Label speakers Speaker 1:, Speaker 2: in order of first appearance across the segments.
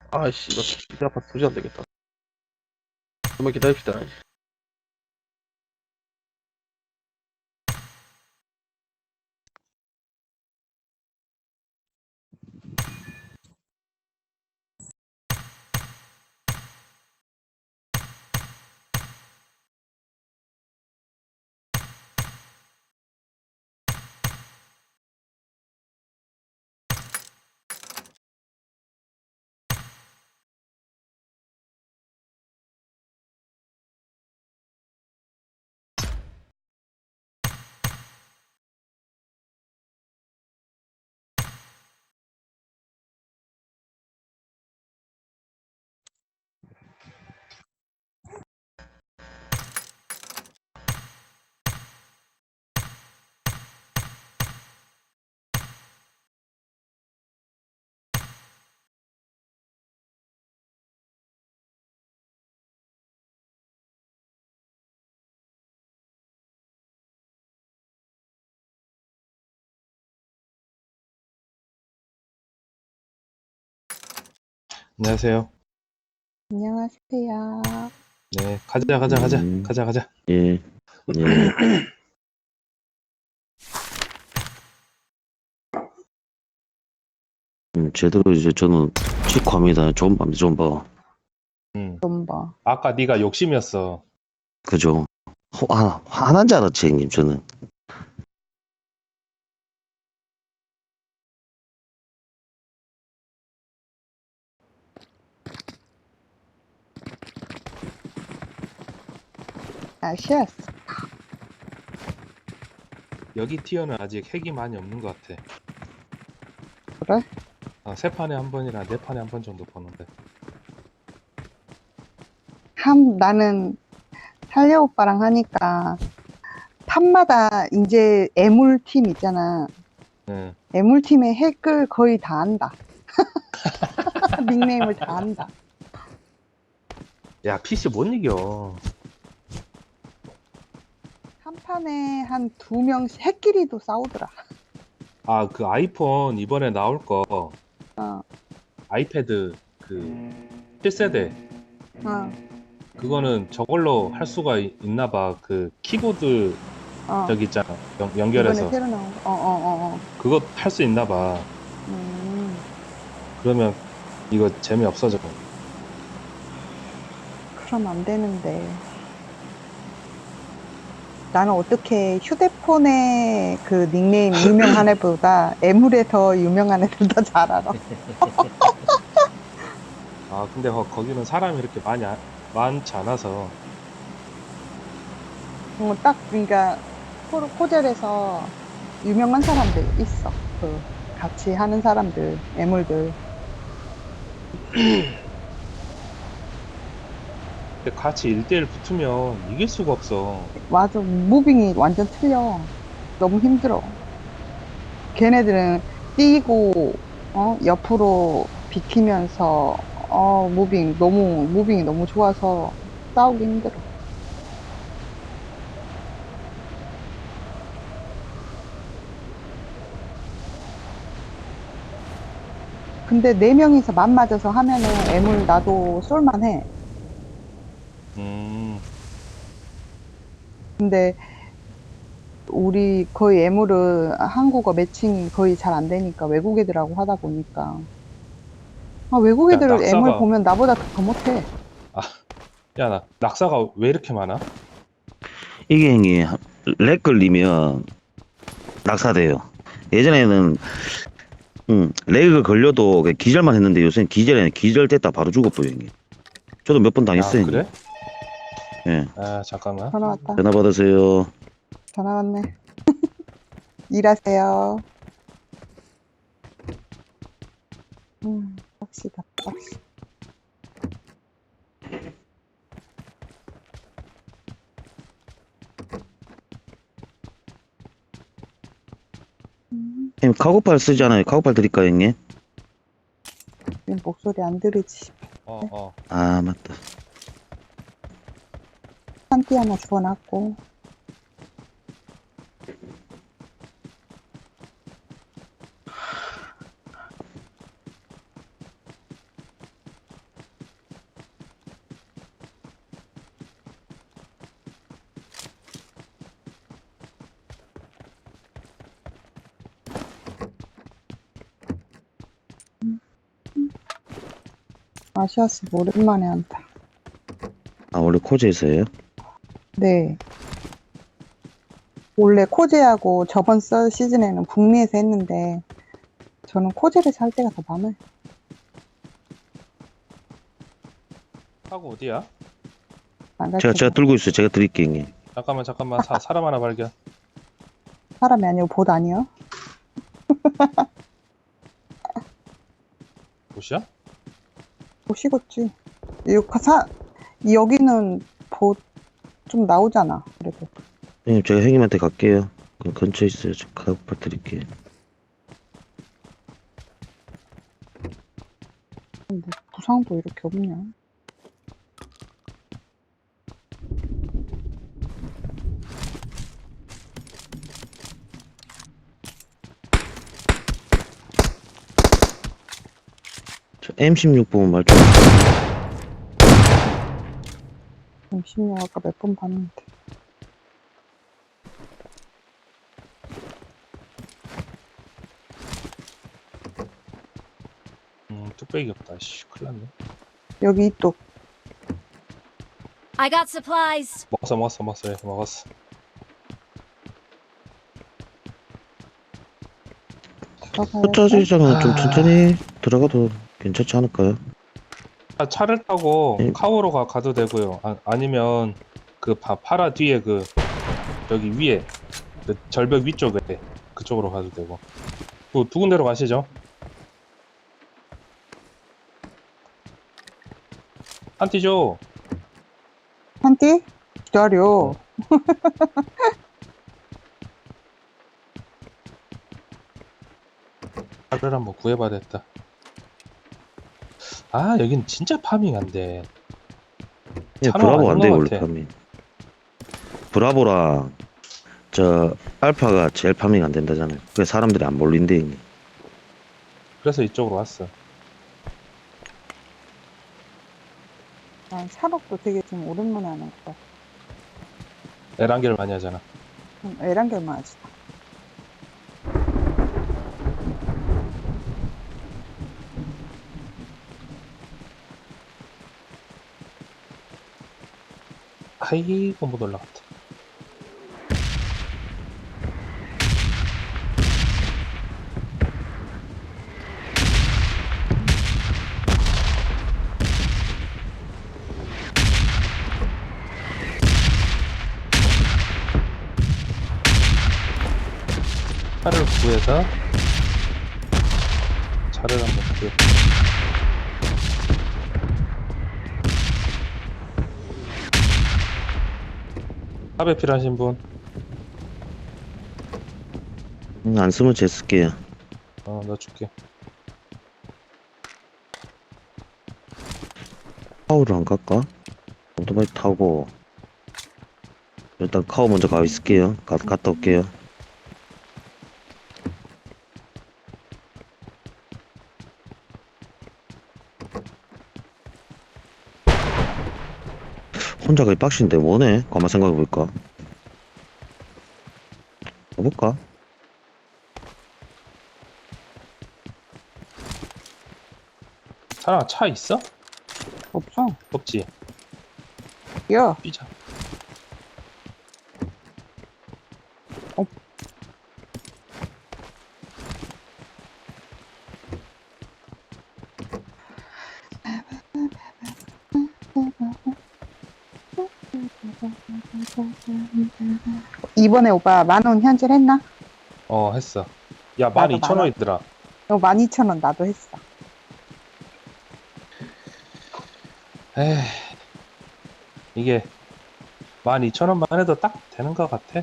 Speaker 1: 아이씨, 이거 기대 아파서 도저히 안 되겠다. 좀만 기다립시다.
Speaker 2: 안녕하세요.
Speaker 3: 안녕하세요.
Speaker 2: 네, 가자.
Speaker 4: 예, 예. 제대로 이제 저는 직화입니다. 좋은 밤, 좋은 밤.
Speaker 3: 좀 봐.
Speaker 2: 아까 네가 욕심이었어.
Speaker 4: 그죠? 화난 줄 알았지, 형님, 저는.
Speaker 3: 아시았어.
Speaker 2: 여기 티어는 아직 핵이 많이 없는 것 같아.
Speaker 3: 그래?
Speaker 2: 세 판에 한 번이랑 네 판에 한 번 정도 보는데.
Speaker 3: 나는 살려 오빠랑 하니까 판마다 이제 애물팀 있잖아.
Speaker 2: 응.
Speaker 3: 애물팀의 핵을 거의 다 안다. 닉네임을 다 안다.
Speaker 2: 야, PC 못 이겨.
Speaker 3: 한 판에 한 2명씩 핵끼리도 싸우더라.
Speaker 2: 아, 그 아이폰 이번에 나올 거
Speaker 3: 어,
Speaker 2: 아이패드 그 7세대
Speaker 3: 어,
Speaker 2: 그거는 저걸로 할 수가 있나 봐. 그 키보드
Speaker 3: 어.
Speaker 2: 저기 있잖아.
Speaker 3: 이번에
Speaker 2: 연결해서.
Speaker 3: 새로 나온 거. 어.
Speaker 2: 그거 할 수 있나 봐. 그러면 이거 재미없어져.
Speaker 3: 그럼 안 되는데. 나는 어떻게 휴대폰에 그 닉네임 유명한 애보다 애물에 더 유명한 애들 더 잘 알아.
Speaker 2: 아, 근데 거기는 사람이 이렇게 많지 않아서.
Speaker 3: 딱 그러니까 호텔에서 유명한 사람들 있어. 그 같이 하는 사람들, 애물들.
Speaker 2: 근데 같이 1대1 붙으면 이길 수가 없어.
Speaker 3: 맞아, 무빙이 완전 틀려. 너무 힘들어. 걔네들은 뛰고 옆으로 비키면서 무빙이 너무 좋아서 싸우기 힘들어. 근데 4명이서 맞맞아서 하면은 애물 나도 쏠만해. 근데 우리 거의 애물은 한국어 매칭이 거의 잘 안 되니까 외국 애들하고 하다 보니까 외국 애들 애물 보면 나보다 더 못해.
Speaker 2: 야, 낙사가 왜 이렇게 많아?
Speaker 4: 이게 형님, 렉 걸리면 낙사돼요. 예전에는, 렉을 걸려도 그냥 기절만 했는데 요새는 기절됐다 바로 죽어버려요, 형님. 저도 몇 번 당했어요, 형님.
Speaker 2: 그래?
Speaker 4: 예.
Speaker 2: 아, 잠깐만.
Speaker 3: 전화 왔다.
Speaker 4: 전화 받으세요.
Speaker 3: 전화 왔네. 일하세요. 빡시다, 빡시.
Speaker 4: 형님, 카고팔 쓰잖아요. 카고팔 드릴까요, 형님?
Speaker 3: 목소리 안 들으지.
Speaker 4: 아, 맞다.
Speaker 3: 한띠 하나 주워놨고. 아시아스 오랜만에 한다.
Speaker 4: 아, 원래 코제에서예요?
Speaker 3: 네. 원래 코제하고 저번 시즌에는 북미에서 했는데 저는 코제에서 할 때가 더 많아요.
Speaker 2: 하고 어디야?
Speaker 4: 제가 들고 있어요. 제가 드릴게요, 형님.
Speaker 2: 잠깐만 사람 하나 발견.
Speaker 3: 사람이 아니고 봇 아니요?
Speaker 2: 보시야?
Speaker 3: 봇이겠지. 여기는 봇 좀 나오잖아. 그래도.
Speaker 4: 형님, 제가 형님한테 갈게요. 그 근처에 있어요. 저 카우파 드릴게요.
Speaker 3: 뭐 부상도 이렇게 없냐?
Speaker 4: 저 M16 보면 말 좀.
Speaker 3: M16 아까 몇 번 봤는데.
Speaker 2: 뚝배기 없다. 씨, 큰일 났네.
Speaker 3: 여기 또
Speaker 5: I got supplies.
Speaker 2: 먹었어. 예, 먹었어.
Speaker 4: 첫차지장은 좀
Speaker 2: 아.
Speaker 4: 천천히 들어가도 괜찮지 않을까요?
Speaker 2: 차를 타고
Speaker 4: 예.
Speaker 2: 카오로 가도 되고요. 아니면 그 파라 뒤에 그 여기 위에 그 절벽 위쪽에 그쪽으로 가도 되고. 두 군데로 가시죠. 한티 줘.
Speaker 3: 한띠? 기다려.
Speaker 2: 차를 한번 구해봐야 됐다. 아, 여긴 진짜 파밍 안 돼.
Speaker 4: 예,
Speaker 2: 차로
Speaker 4: 브라보 안
Speaker 2: 아닌
Speaker 4: 돼요,
Speaker 2: 것
Speaker 4: 원래
Speaker 2: 같아.
Speaker 4: 파밍. 브라보랑 저 알파가 제일 파밍 안 된다잖아요. 그래 사람들이 안 몰린대, 형님.
Speaker 2: 그래서 이쪽으로 왔어.
Speaker 3: 난 샤록도 되게 좀 오랜만에 하는 것 같아.
Speaker 2: 에란겔 많이 하잖아.
Speaker 3: 에란겔만 하지.
Speaker 2: 아이고, 못 올라갔다. 차를 구해서 차를 한번 구해. 탑에 필요하신 분?
Speaker 4: 안 쓰면 제 쓸게요.
Speaker 2: 나 줄게.
Speaker 4: 카우를 안 갈까? 오토바이 타고 일단 카우 먼저 가 있을게요. 갔다 올게요. 혼자 거의 빡신데 뭐네? 가만 생각해볼까? 가볼까?
Speaker 2: 사람아, 차 있어?
Speaker 3: 없어.
Speaker 2: 없지?
Speaker 3: 야,
Speaker 2: 뛰자.
Speaker 3: 이번에 오빠 10,000원 현질했나?
Speaker 2: 했어. 야,
Speaker 3: 나도
Speaker 2: 12,000원이더라.
Speaker 3: 이거 12,000원 나도 했어.
Speaker 2: 에이, 이게 12,000원만 해도 딱 되는 것 같아.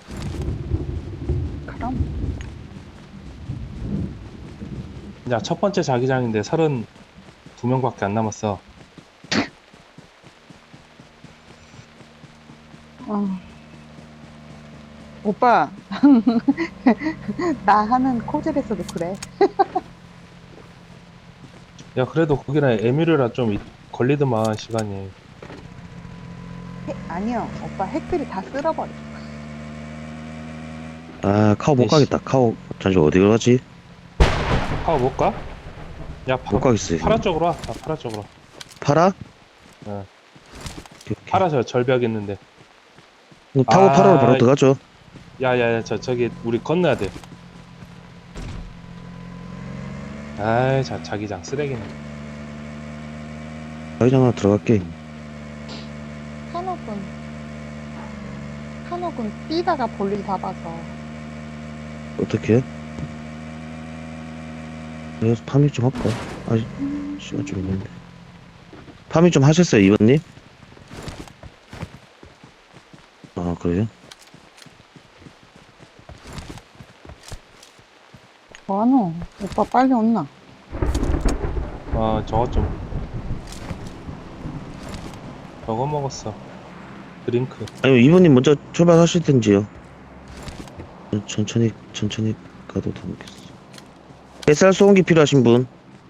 Speaker 3: 그럼.
Speaker 2: 야, 첫 번째 자기장인데 32명밖에 안 남았어.
Speaker 3: 오빠, 나 하는 코젤에서도 그래.
Speaker 2: 야, 그래도 거기는 에뮤르라 좀 걸리더만, 시간이.
Speaker 3: 아니요, 오빠 핵들이 다 쓸어버려.
Speaker 4: 아, 카우 못
Speaker 2: 에이씨.
Speaker 4: 가겠다. 카우 잠시만 어디로 가지?
Speaker 2: 파워 못 가? 야,
Speaker 4: 못 가겠어요.
Speaker 2: 파라 쪽으로 와. 파라 쪽으로.
Speaker 4: 팔아?
Speaker 2: 어.
Speaker 4: 오케이, 오케이.
Speaker 2: 파라서 절벽 있는데.
Speaker 4: 그럼 타고
Speaker 2: 아,
Speaker 4: 팔아로 바로 들어가죠.
Speaker 2: 야야야 저기 우리 건너야 돼. 아이 자기장 쓰레기네.
Speaker 4: 자기장 하나 들어갈게.
Speaker 3: 한옥은 뛰다가 볼일 다 봐서.
Speaker 4: 어떻게 해? 그래서 파밍 좀 할까? 아직 시간 좀 있는데. 파밍 좀 하셨어요, 이번님? 아, 그래요?
Speaker 3: 뭐하노? 오빠 빨리 온나?
Speaker 2: 저거 좀. 저거 먹었어. 드링크.
Speaker 4: 아니면 이번님 먼저 출발하시든지요. 천천히 가도 되겠어. 뱃살 소음기 필요하신 분?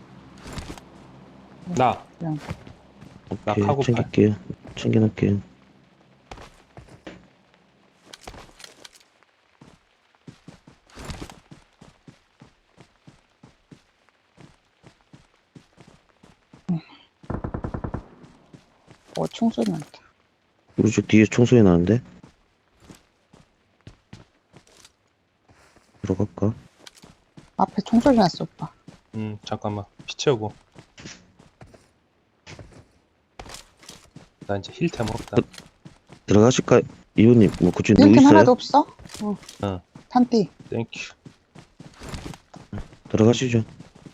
Speaker 2: 나
Speaker 4: 오케이,
Speaker 2: 카고팔.
Speaker 4: 챙길게요. 챙겨놓을게요.
Speaker 3: 총소리 난다.
Speaker 4: 우리 집 뒤에 총소리 나는데? 들어갈까?
Speaker 3: 앞에 총소리 났어, 오빠.
Speaker 2: 잠깐만. 피 채우고. 나 이제 힐템 없다.
Speaker 4: 들어가실까? 이분님, 뭐, 그쪽에 누구
Speaker 3: 일팀
Speaker 4: 있어요?
Speaker 3: 하나도 없어?
Speaker 2: 어.
Speaker 3: 탄띠.
Speaker 2: 땡큐.
Speaker 4: 들어가시죠.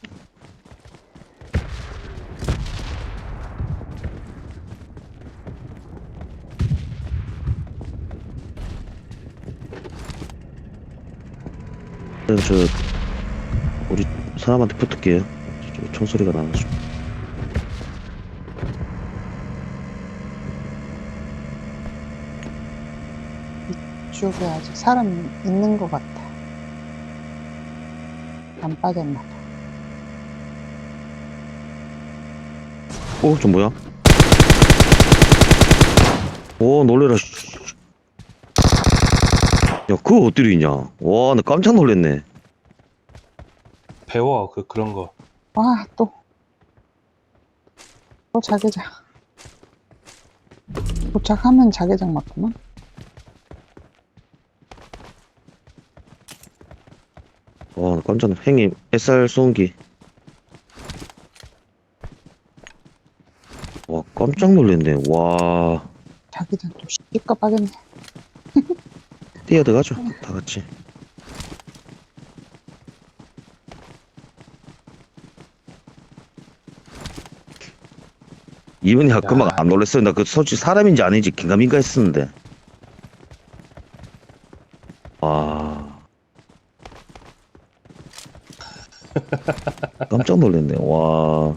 Speaker 4: 우리 사람한테 붙을게요. 총소리가 나가지고.
Speaker 3: 이쪽에 아직 사람 있는 것 같아. 안 빠졌나 봐.
Speaker 4: 저 뭐야? 오, 놀래라. 씨. 야, 그거 어디로 있냐? 와, 나 깜짝 놀랐네.
Speaker 2: 배워 그런 거.
Speaker 3: 와, 또 자개장. 도착하면 자개장 맞구만.
Speaker 4: 와, 나 깜짝 놀랐. 형님, SR 소음기. 와, 깜짝 놀랐네. 와,
Speaker 3: 자개장 또 시꺼빠겠네.
Speaker 4: 뛰어들어가죠. 다 같이. 이분이 아까 막 안 놀랐어요. 나 그 솔직히 사람인지 아닌지 긴가민가 했었는데. 와. 깜짝 놀랐네. 와.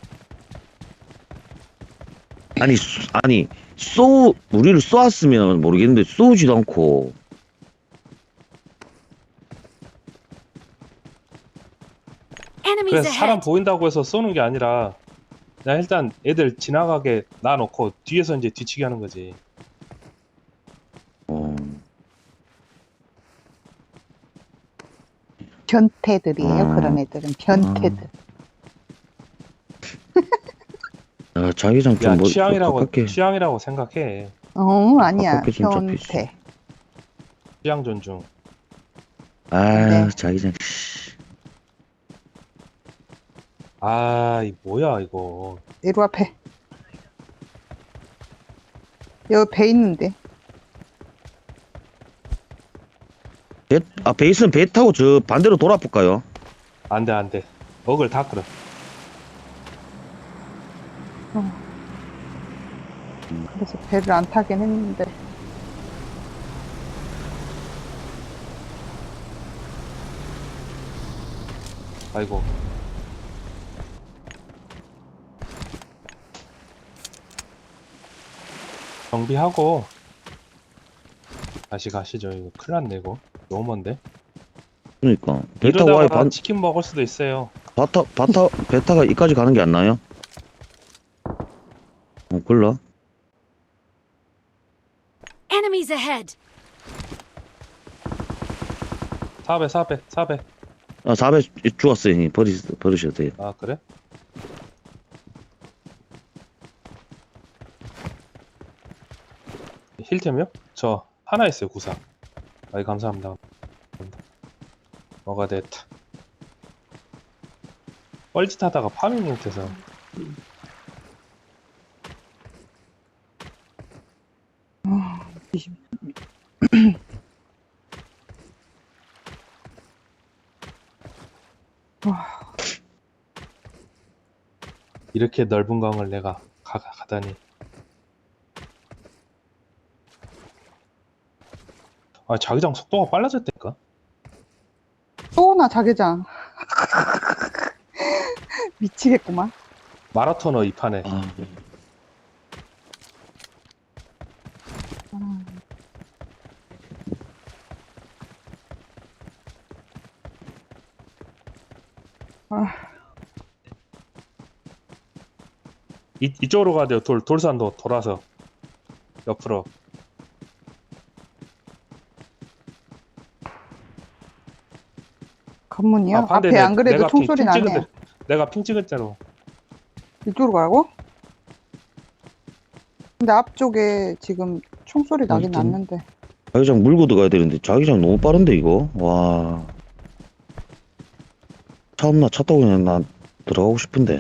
Speaker 4: 아니, 우리를 쏘았으면 모르겠는데, 쏘지도 않고.
Speaker 5: Enemies
Speaker 2: 그래서 사람
Speaker 5: ahead.
Speaker 2: 보인다고 해서 쏘는 게 아니라 그냥 일단 애들 지나가게 놔놓고 뒤에서 이제 뒤치기 하는 거지.
Speaker 4: 어.
Speaker 3: 변태들이에요. 그런 애들은 변태들.
Speaker 4: 야, 자기장
Speaker 2: 야
Speaker 4: 좀 뭐, 가깝게.
Speaker 2: 취향이라고 생각해.
Speaker 3: 아니야.
Speaker 4: 가깝게 좀
Speaker 3: 변태.
Speaker 2: 취향 존중.
Speaker 3: 네.
Speaker 4: 자기장.
Speaker 2: 이 뭐야 이거.
Speaker 3: 이리 앞에. 여기 배 있는데.
Speaker 4: 베이스는 배 타고 저 반대로 돌아볼까요?
Speaker 2: 안돼. 먹을 다 끌어.
Speaker 3: 그래서 배를 안 타긴 했는데.
Speaker 2: 아이고. 정비하고 다시 가시죠. 이거 큰일 났네 이거. 너무 먼데.
Speaker 4: 그러니까. 배 타고 아예
Speaker 2: 이러다가 치킨 먹을 수도 있어요.
Speaker 4: 배 타가 이까지 가는 게 안 나요? 몰라.
Speaker 5: Enemies ahead.
Speaker 2: 4배.
Speaker 4: 4배 죽었어요, 형님. 버리셔도 돼요.
Speaker 2: 아 그래? 힐템이요? 저 하나 있어요, 구상. 아이, 감사합니다. 뭐가 됐다. 뻘짓하다가 파밍 못해서. 이렇게 넓은 강을 내가 가다니. 아, 자기장 속도가 빨라졌다니까?
Speaker 3: 쏘나 자기장. 미치겠구만.
Speaker 2: 마라토너 이 판에.
Speaker 4: 아,
Speaker 2: 이쪽으로 가야 돼요. 돌산도 돌아서. 옆으로.
Speaker 3: 관문이요?
Speaker 2: 아, 반대,
Speaker 3: 앞에 안 그래도
Speaker 2: 내가
Speaker 3: 총소리
Speaker 2: 핑
Speaker 3: 나네.
Speaker 2: 찍은 내가 핑 찍을 대로.
Speaker 3: 이쪽으로 가고? 근데 앞쪽에 지금 총소리 나긴
Speaker 4: 일단-
Speaker 3: 났는데.
Speaker 4: 자기장 물고 들어가야 되는데 자기장 너무 빠른데 이거. 와. 차 없나? 차 타고 그냥 나 들어가고 싶은데.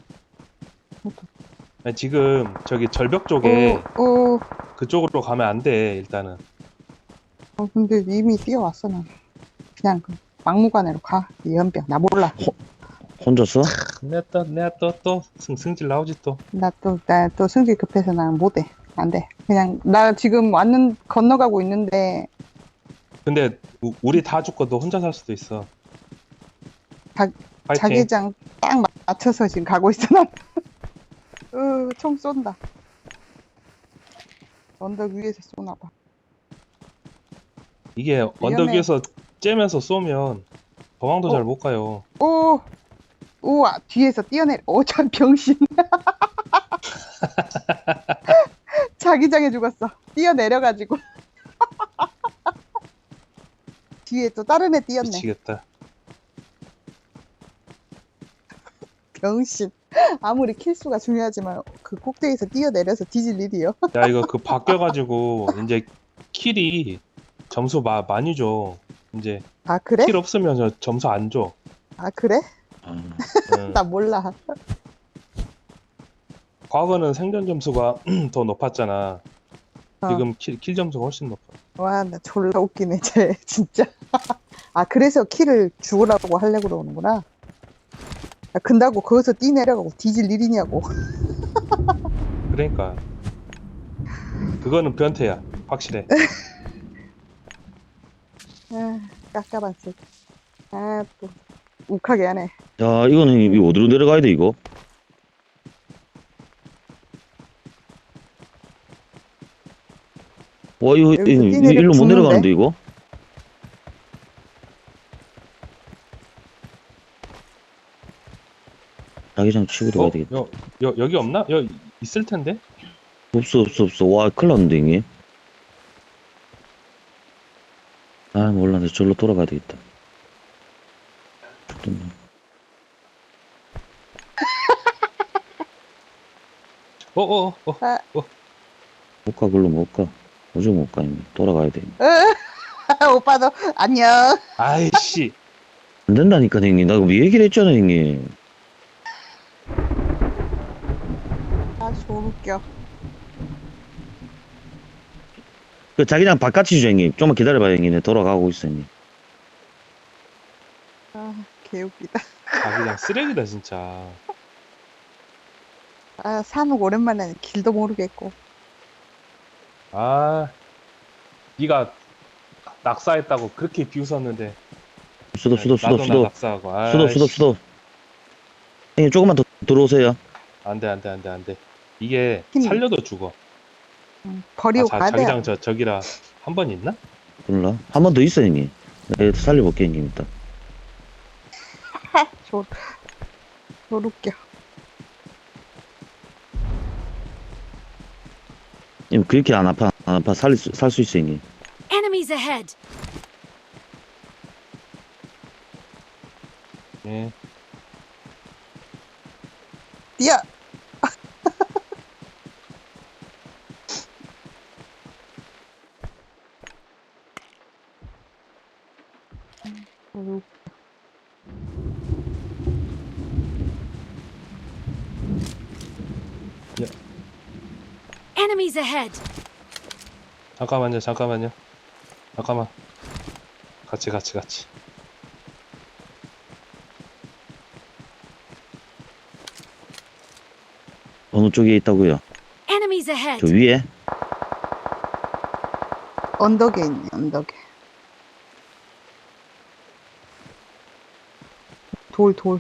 Speaker 2: 아니, 지금 저기 절벽 쪽에
Speaker 3: 어,
Speaker 2: 그쪽으로 가면 안 돼, 일단은.
Speaker 3: 근데 이미 뛰어왔어, 난. 그냥 그 막무가내로 가. 이 연병. 나 몰라.
Speaker 4: 혼자서?
Speaker 2: 내가 또 승질 나오지 또.
Speaker 3: 나 또 성질 급해서 난 못해. 안 돼. 그냥, 나 지금 건너가고 있는데,
Speaker 2: 근데 우리 다 죽고 너 혼자 살 수도 있어.
Speaker 3: 자-
Speaker 2: 파이팅.
Speaker 3: 자기장 딱 맞춰서 지금 가고 있어, 난. 총 쏜다. 언덕 위에서 쏘나봐.
Speaker 2: 이게 언덕
Speaker 3: 위험해.
Speaker 2: 위에서 째면서 쏘면 도망도 잘 못 가요.
Speaker 3: 우와, 뒤에서 뛰어내려. 저 병신. 자기장에 죽었어. 뛰어내려가지고. 뒤에 또 다른 애 뛰었네.
Speaker 2: 미치겠다.
Speaker 3: 병신. 아무리 킬수가 중요하지만 그 꼭대기에서 뛰어내려서 뒤질 일이요.
Speaker 2: 야, 이거 그 바뀌어가지고 이제 킬이 점수 많이 줘. 이제
Speaker 3: 아, 그래?
Speaker 2: 킬 없으면 저 점수 안 줘.
Speaker 3: 아, 그래?
Speaker 4: 아,
Speaker 2: 응.
Speaker 3: 나 몰라.
Speaker 2: 과거는 생존 점수가 더 높았잖아.
Speaker 3: 어.
Speaker 2: 지금 킬 점수가 훨씬 높아.
Speaker 3: 와, 나 졸라 웃기네, 쟤. 진짜. 아, 그래서 킬을 죽으라고 하려고 그러는구나. 야, 근다고 거기서 뛰내려가고 뒤질 일이냐고.
Speaker 2: 그러니까 그거는 변태야. 확실해.
Speaker 3: 아, 깝깝한 새끼. 아, 또 욱하게 하네.
Speaker 4: 야, 이거는 이거 어디로 내려가야 돼 이거? 와, 이거
Speaker 3: 여기서
Speaker 4: 일로 못
Speaker 3: 죽는데?
Speaker 4: 내려가는데 이거? 자기장 치고 들어가야 되겠다.
Speaker 2: 여기 없나? 있을 텐데.
Speaker 4: 없어. 와, 큰일 났는데 이게. 아, 몰라. 내 절로 돌아가야 되겠다. 죽겠네. 못 가, 글로 못 가. 어제 못 가, 이미. 돌아가야 돼.
Speaker 3: 오빠도 안녕.
Speaker 2: 아이씨.
Speaker 4: 안 된다니까, 형님. 나 왜 얘기를 했잖아, 형님.
Speaker 3: 아, 졸 웃겨.
Speaker 4: 그 자기장 바깥이 주, 형님. 좀만 기다려봐요, 형님. 내 돌아가고 있어, 형님.
Speaker 3: 아, 개웃기다.
Speaker 2: 그냥 쓰레기다 진짜.
Speaker 3: 아, 산옥 오랜만에 길도 모르겠고.
Speaker 2: 아, 네가 낙사했다고 그렇게 비웃었는데.
Speaker 4: 수도.
Speaker 2: 나도 나 낙사하고.
Speaker 4: 수도. 형님, 조금만 더 들어오세요.
Speaker 2: 안돼. 이게
Speaker 3: 힘이.
Speaker 2: 살려도 죽어.
Speaker 3: 버리고 가야 돼.
Speaker 2: 자기장 저기라 한 번 있나?
Speaker 4: 몰라. 한 번 더 있어, 형님. 내가 살려볼게, 형님, 일단.
Speaker 3: 졸 웃겨.
Speaker 4: 형님, 그렇게 안 아파. 살 수 있어, 형님.
Speaker 5: Enemies ahead!
Speaker 2: 예.
Speaker 3: 뛰어.
Speaker 5: Enemies ahead!
Speaker 2: 잠깐만요. 잠깐만. 같이.
Speaker 4: 어느 쪽에 있다고요?
Speaker 5: Enemies
Speaker 4: 저
Speaker 5: ahead!
Speaker 4: 위에?
Speaker 3: 언덕에 있네, 언덕에. 돌.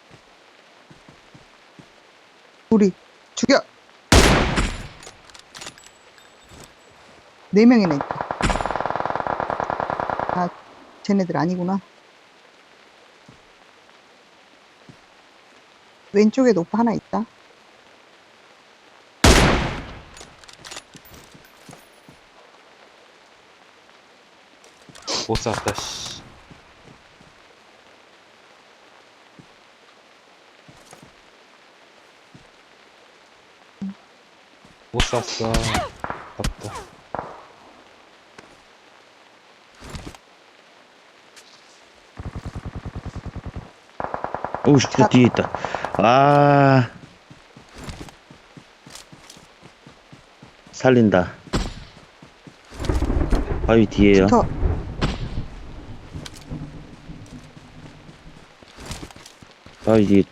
Speaker 3: 우리 죽여! 4명이나 있다. 아, 쟤네들 아니구나. 왼쪽에도 오빠 하나 있다.
Speaker 2: 못 쐈다. 씨. 못 쐈어. 아깝다.
Speaker 4: 오우, 저 뒤에 있다. 아. 살린다. 바위 뒤에요.
Speaker 3: 붙어.
Speaker 4: 바위 뒤에.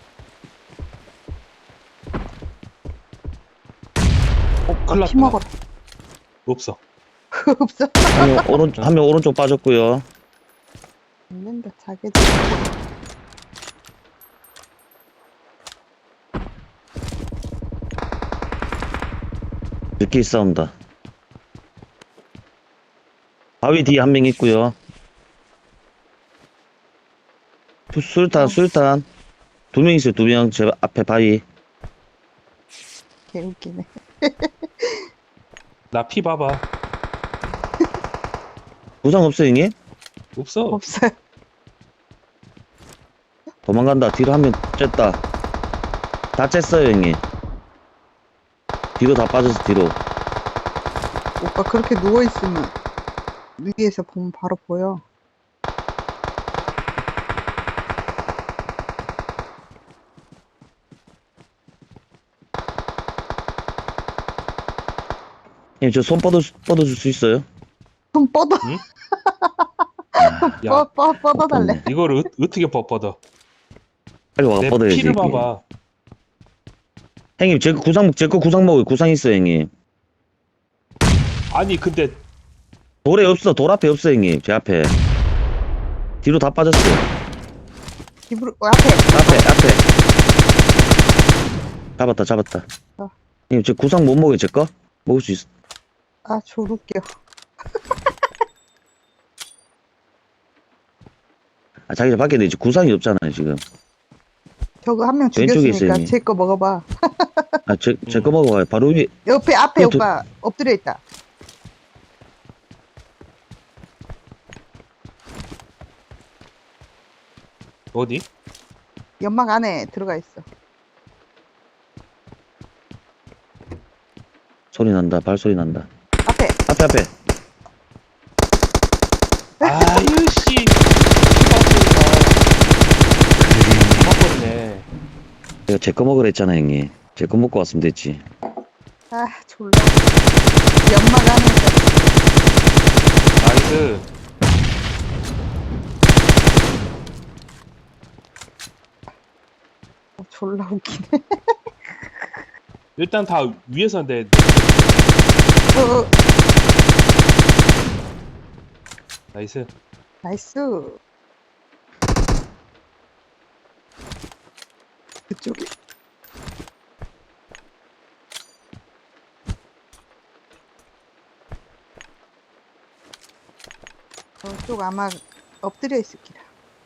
Speaker 2: 큰일 났다.
Speaker 3: 피 먹어라.
Speaker 2: 없어.
Speaker 3: 없어.
Speaker 4: 한 명 오른쪽 빠졌고요.
Speaker 3: 죽는다, 자기들.
Speaker 4: 늦게 싸운다. 바위 뒤에 한 명 있고요. 술탄. 2명 있어요, 2명. 제 앞에 바위.
Speaker 3: 개웃기네.
Speaker 2: 나 피 봐봐.
Speaker 4: 부상 없어요, 형님?
Speaker 2: 없어.
Speaker 3: 없어요.
Speaker 4: 도망간다. 뒤로 한 명 쬐다. 다 쬐어요, 형님. 뒤로 다 빠졌어, 뒤로.
Speaker 3: 오빠 그렇게 누워있으면 위에서 보면 바로 보여.
Speaker 4: 형님, 저 손 뻗어줄 수 있어요?
Speaker 3: 손 뻗어.
Speaker 2: 응? 야,
Speaker 3: 뻗어달래.
Speaker 2: 이걸 어떻게 뻗어?
Speaker 4: 빨리 와가
Speaker 2: 내
Speaker 4: 뻗어야지.
Speaker 2: 피를
Speaker 4: 형님.
Speaker 2: 봐봐.
Speaker 4: 형님, 제 거 구상 먹어요. 구상 있어요, 형님.
Speaker 2: 아니 근데
Speaker 4: 돌에 없어. 돌 앞에 없어, 형님. 제 앞에. 뒤로 다 빠졌어요.
Speaker 3: 입으로, 앞에.
Speaker 4: 앞에. 잡았다.
Speaker 3: 어.
Speaker 4: 형님, 제 구상 못 먹어요, 제 거? 먹을 수 있어.
Speaker 3: 아, 졸웃겨.
Speaker 4: 아, 자기 밖에 내지 구상이 없잖아요, 지금.
Speaker 3: 저거 한 명
Speaker 4: 왼쪽에 있어요,
Speaker 3: 죽였으니까
Speaker 4: 형님.
Speaker 3: 제 거 먹어봐.
Speaker 4: 아, 제 거 먹어봐요. 바로 위에.
Speaker 3: 앞에
Speaker 4: 그
Speaker 3: 오빠 엎드려 있다.
Speaker 2: 어디?
Speaker 3: 연막 안에 들어가 있어.
Speaker 4: 소리 난다. 발소리 난다.
Speaker 3: 앞에.
Speaker 4: 앞에.
Speaker 2: 아유 씨. 맞버리네.
Speaker 4: 내가 제 거 먹으라 했잖아, 형님. 제 거 먹고 왔으면 됐지.
Speaker 3: 아, 졸라. 연막 안에
Speaker 2: 나이스.
Speaker 3: 졸라 웃기네.
Speaker 2: 일단 다 위에서 내
Speaker 3: 어,
Speaker 2: 나이스.
Speaker 3: 나이스. 그쪽에. 저쪽 아마 엎드려 있을 기라.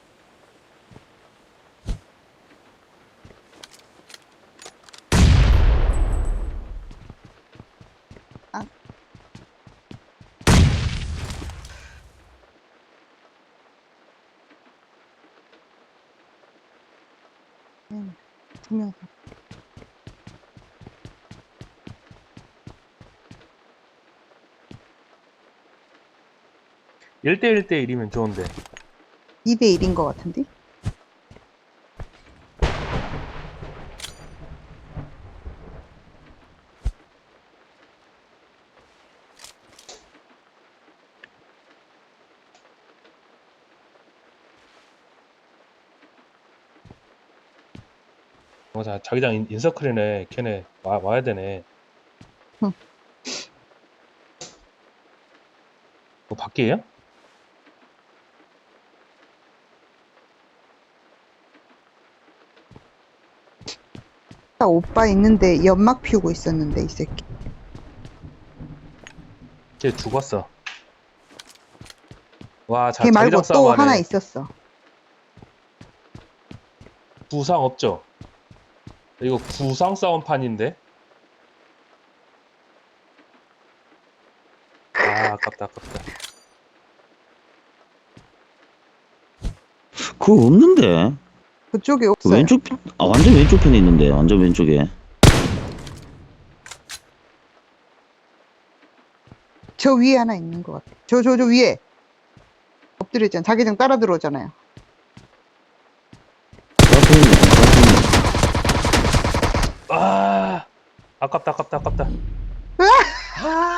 Speaker 3: 아. 두 명.
Speaker 2: 1대1대1이면 좋은데.
Speaker 3: 2대1인 것 같은데?
Speaker 2: 자, 자기장 인서클이네. 걔네 와야 되네.
Speaker 3: 응.
Speaker 2: 밖이에요?
Speaker 3: 딱 오빠 있는데 연막 피우고 있었는데 이 새끼.
Speaker 2: 걔 죽었어. 와,
Speaker 3: 걔 말고
Speaker 2: 자기장
Speaker 3: 또
Speaker 2: 싸움
Speaker 3: 하나
Speaker 2: 하네.
Speaker 3: 있었어.
Speaker 2: 부상 없죠? 이거 부상 싸움판인데? 아, 아깝다.
Speaker 4: 그거 없는데.
Speaker 3: 그쪽에
Speaker 4: 그
Speaker 3: 없어요.
Speaker 4: 왼쪽 완전 왼쪽 편에 있는데. 완전 왼쪽에.
Speaker 3: 저 위에 하나 있는 것 같아. 저 위에 엎드려 있잖아. 자기장 따라 들어오잖아요.
Speaker 4: 그 앞에 있네. 그 앞에 있네.
Speaker 2: 아, 아깝다.
Speaker 3: 아!